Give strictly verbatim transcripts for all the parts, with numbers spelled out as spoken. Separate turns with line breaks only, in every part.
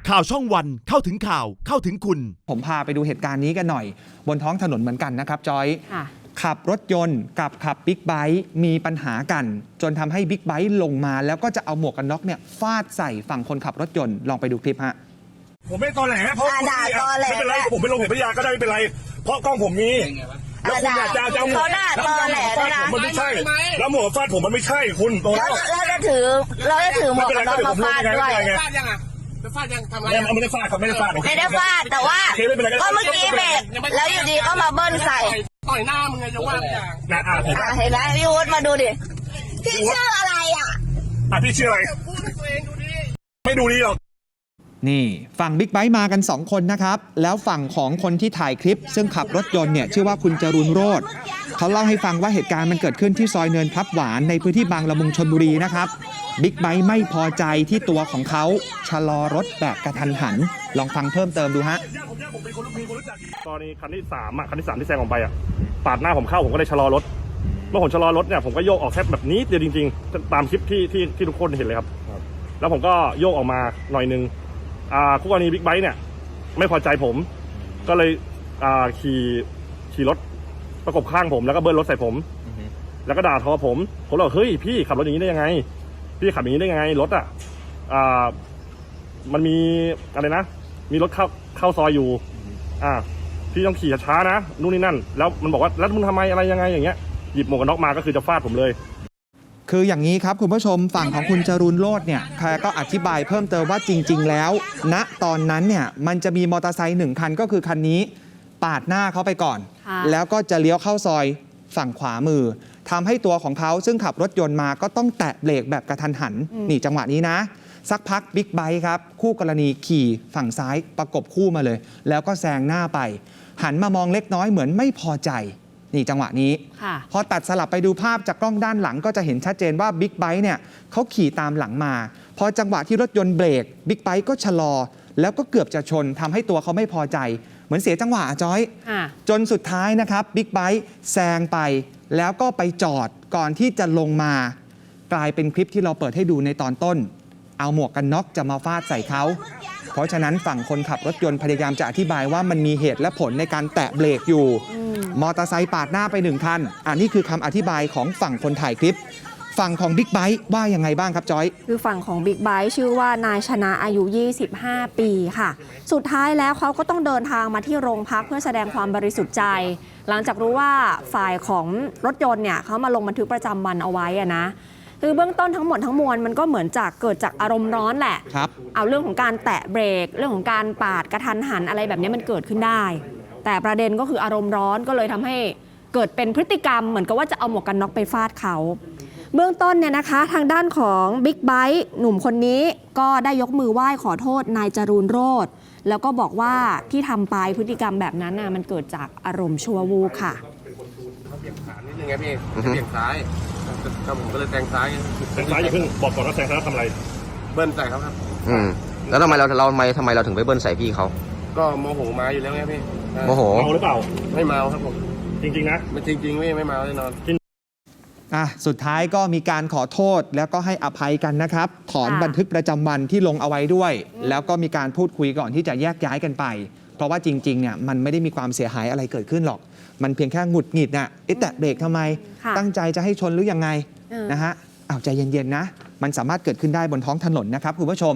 ข่าวช่องวันเข้าถึงข่าวเข้าถึงคุณ
ผมพาไปดูเหตุการณ์นี้กันหน่อยบนท้องถนนเหมือนกันนะครับจอยขับรถยนต์กับขับบิ๊กไบค์มีปัญหากันจนทำให้บิ๊กไบค์ลงมาแล้วก็จะเอาหมวกกันน็อกเนี่ยฟาดใส่ฝั่งคนขับรถยนต์ลองไปดูคลิปฮะ
ผมไม่ตอแหลเพราะ
ด่าตอแหล
ไม่เป็นไรผมไม่ลงเหตุพยาก็ได้ไม่เป็นไรเพราะกล้องผมมีแล้วคุณอยากจะเอาหมวกฟาดผมมันไม่ใช่แล้วหมวกฟาดผมมันไม่ใช่คุณ
แล้วเราจะถือเราจะถือหมวกกันน็อกมาฟาดด้วย
ฟาดยังอ่ะจะฟาดยังทำอะไรไม่ได้ฟาดครับไม่ได้ฟาด
ไม่ได้ฟาดแต่ว่าก็เมื่อกี้เบรกแล้วอยู่ดีก็มาเบิ้ลใส่
ต่อยหน้ามึงไงจะว่าอย่างนะอ่ะ
เห็นไหมพี่วุฒิมาดูดิพี่ชื่ออะไรอ่ะ
อ่ะพี่ชื่ออะไรไม่ดูดีหรอก
นี่ฝั่งบิ๊กไบค์มากันสองคนนะครับแล้วฝั่งของคนที่ถ่ายคลิปซึ่งขับรถยนต์เนี่ยชื่อว่าคุณจรูนโรจน์เขาเล่าให้ฟังว่าเหตุการณ์มันเกิดขึ้นที่ซอยเนินพลับหวานในพื้นที่บางละมุงชลบุรีนะครับบิ๊กไบค์ไม่พอใจที่ตัวของเขาชะลอรถแบบกระทันหันลองฟังเพิ่มเติมดูฮะ
ตอนนี้คันที่สามอ่ะคันที่สามที่แซงออกไปอ่ะปาดหน้าผมเข้าผมก็เลยชะลอรถเมื่อผมชะลอรถเนี่ยผมก็โยกออกแค่แบบนี้เดียวจริงๆตามคลิปที่ที่ที่ทุกคนเห็นเลยครับแล้วผมก็โยกออกมาหน่อยนึงอ่าคู่กรณีบิ๊กไบค์เนี่ยไม่พอใจผมก็เลยอ่าขี่ขี่รถประกบข้างผมแล้วก็เบิ้ลรถใส่ผมแล้วก็ด่าทอผมผมบอกเฮ้ยพี่ขับรถอย่างนี้ได้ยังไงพี่ขับอย่างนี้ได้ยังไงรถอ่ะอ่ามันมีอะไรนะมีรถเข้าเข้าซอยอยู่อ่าพี่ต้องขี่ช้าๆนะนู่นนี่นั่นแล้วมันบอกว่าแล้วมึงทำไมอะไรยังไงอย่างเงี้ยหยิบหมวกกันน็อกมาก็คือจะฟาดผมเลย
คืออย่างนี้ครับคุณผู้ชมฝั่งของคุณจรูนโรจน์เนี่ยแกก็อธิบายเพิ่มเติมว่าจริงๆแล้วณตอนนั้นเนี่ยมันจะมีมอเตอร์ไซค์หนึ่งคันก็คือคันนี้ปาดหน้าเขาไปก่อนแล้วก็จะเลี้ยวเข้าซอยฝั่งขวามือทำให้ตัวของเขาซึ่งขับรถยนต์มาก็ต้องแตะเบรกแบบกระทันหันนี่จังหวะนี้นะสักพักบิ๊กไบค์ครับคู่กรณีขี่ฝั่งซ้ายประกบคู่มาเลยแล้วก็แซงหน้าไปหันมามองเล็กน้อยเหมือนไม่พอใจนี่จังหวะนี้พอตัดสลับไปดูภาพจากกล้องด้านหลังก็จะเห็นชัดเจนว่าบิ๊กไบค์เนี่ยเขาขี่ตามหลังมาพอจังหวะที่รถยนต์เบรกบิ๊กไบค์ก็ชะลอแล้วก็เกือบจะชนทำให้ตัวเขาไม่พอใจเหมือนเสียจังหวะจอยจนสุดท้ายนะครับบิ๊กไบค์แซงไปแล้วก็ไปจอดก่อนที่จะลงมากลายเป็นคลิปที่เราเปิดให้ดูในตอนต้นเอาหมวกกันน็อกจะมาฟาดใส่เขาเพราะฉะนั้นฝั่งคนขับรถยนต์พยายามจะอธิบายว่ามันมีเหตุและผลในการแตะเบรกอยู่มอเตอร์ไซค์ปาดหน้าไปหนึ่งคันอันนี้คือคำอธิบายของฝั่งคนถ่ายคลิปฝั่งของบิ๊กไบค์ว่ายังไงบ้างครับจอย
คือฝั่งของบิ๊กไบค์ชื่อว่านายชนะอายุยี่สิบห้าปีค่ะสุดท้ายแล้วเขาก็ต้องเดินทางมาที่โรงพักเพื่อแสดงความบริสุทธิ์ใจหลังจากรู้ว่าฝ่ายของรถยนต์เนี่ยเขามาลงบันทึกประจำวันเอาไว้อะนะคือเบื้องต้นทั้งหมดทั้งมวลมันก็เหมือนจากเกิดจากอารมณ์ร้อนแหละ
ครับ
เอาเรื่องของการแตะเบรกเรื่องของการปาดกระทันหันอะไรแบบนี้มันเกิดขึ้นได้แต่ประเด็นก็คืออารมณ์ร้อนก็เลยทำให้เกิดเป็นพฤติกรรมเหมือนกับว่าจะเอาหมวกกันน็อกไปฟาดเขาเบื้องต้นเนี่ยนะคะทางด้านของบิ๊กไบค์หนุ่มคนนี้ก็ได้ยกมือไหว้ขอโทษนายจรูนโรจน์แล้วก็บอกว่าที่ทำไปพฤติกรรมแบบนั้นน่ะมันเกิดจากอารมณ์ชั่ววูบค่ะ
เขาเบี่ยงขวานิดนึงไงพี่เบี่ยงซ้ายก็ผมก็เลยแซงซ้าย
แซงซ้ายอย่าเพิ่งบอกก่อนว่าแซงซ้ายทำอะไร
เบิ้ลใส่เขาครับ
อืมแล้วทำไมเราเราทำไมทำไมเราถึงไปเบิ้ลใส่พี่เขา
ก็โมโหมาอยู่แล้วไงพี่
โมโห
เมาหรือเปล่า
ไม่เมาครับผม
จริงๆนะ
ไม่จริงๆไม่ไม่เมาแน่นอน
อ่ะสุดท้ายก็มีการขอโทษแล้วก็ให้อภัยกันนะครับถอนบันทึกประจำวันที่ลงเอาไว้ด้วยแล้วก็มีการพูดคุยก่อนที่จะแยกย้ายกันไปเพราะว่าจริงๆเนี่ยมันไม่ได้มีความเสียหายอะไรเกิดขึ้นหรอกมันเพียงแค่หงุดหงิดน่ะเอ๊ะแตะเบรกทำไมตั้งใจจะให้ชนหรือยังไงนะฮะอ้าวใจเย็นๆนะมันสามารถเกิดขึ้นได้บนท้องถนนนะครับคุณผู้ชม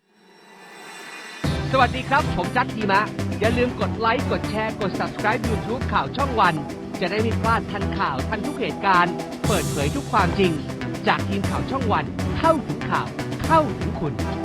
สวัสดีครับผมจัดดีมะอย่าลืมกดไลค์กดแชร์กด ซับสไครบ์ ยูทูบ ข่าวช่องวันจะได้ไม่พลาดทันข่าวทันทุกเหตุการณ์เปิดเผยทุกความจริงจากทีมข่าวช่องวันเข้าถึงข่าวเข้าถึงคุณ